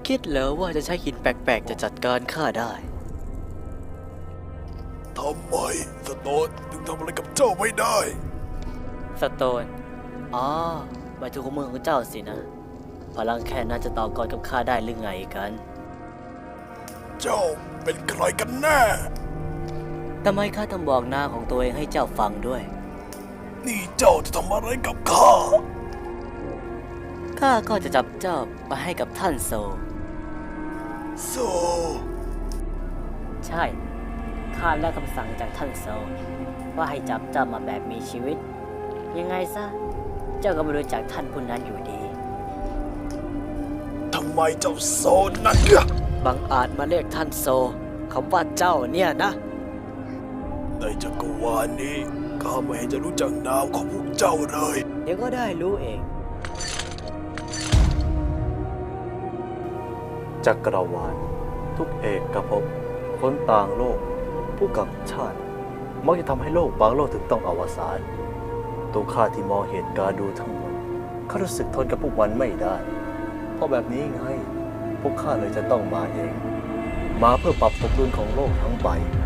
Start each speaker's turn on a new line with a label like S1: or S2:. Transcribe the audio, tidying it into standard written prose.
S1: คิดเหรอว่าจะใช้หินแปลกๆจะจัดการข้าได้
S2: ทำไมสโตนถึงทำอะไรกับเจ้าไม่ได้
S1: สโตนอ๋อหมายถึงของมือของเจ้าสินะพลังแค่นั้นจะต่อกรกับข้าได้หรือไงกัน
S2: เจ้าเป็นใครกันแน่
S1: ทำไมข้าต้องบอกหน้าของตัวเองให้เจ้าฟังด้วย
S2: นี่เจ้าจะทำอะไรกับข้า
S1: ข้าก็จะจับเจ้าไปให้กับท่านโซ
S2: โซ
S1: ใช่ข้าได้คำสั่งจากท่านโซว่าให้จับเจ้ามาแบบมีชีวิตยังไงซะเจ้าก็ไม่รู้จักท่านผู้นั้นอยู่ดี
S2: ทำไมเจ้าโซนั่นเนี่ย
S1: บังอาจมาเรียกท่านโซคำว่าเจ้าเนี่ยนะ
S2: ในจักรวาลนี้ข้าไม่เห็นจะรู้จักนามของพวกเจ้าเลย
S1: เดี๋ยวก็ได้รู้เอง
S3: จักรวาลทุกเอกภพคนต่างโลกผู้กับชาติมักจะทำให้โลกบางโลกถึงต้องอวสานตัวข้าที่มองเหตุการณ์ดูทั้งหมดข้ารู้สึกทนกับพวกมันไม่ได้เพราะแบบนี้ไงพวกข้าเลยจะต้องมาเองมาเพื่อปรับสมดุลของโลกทั้งใบ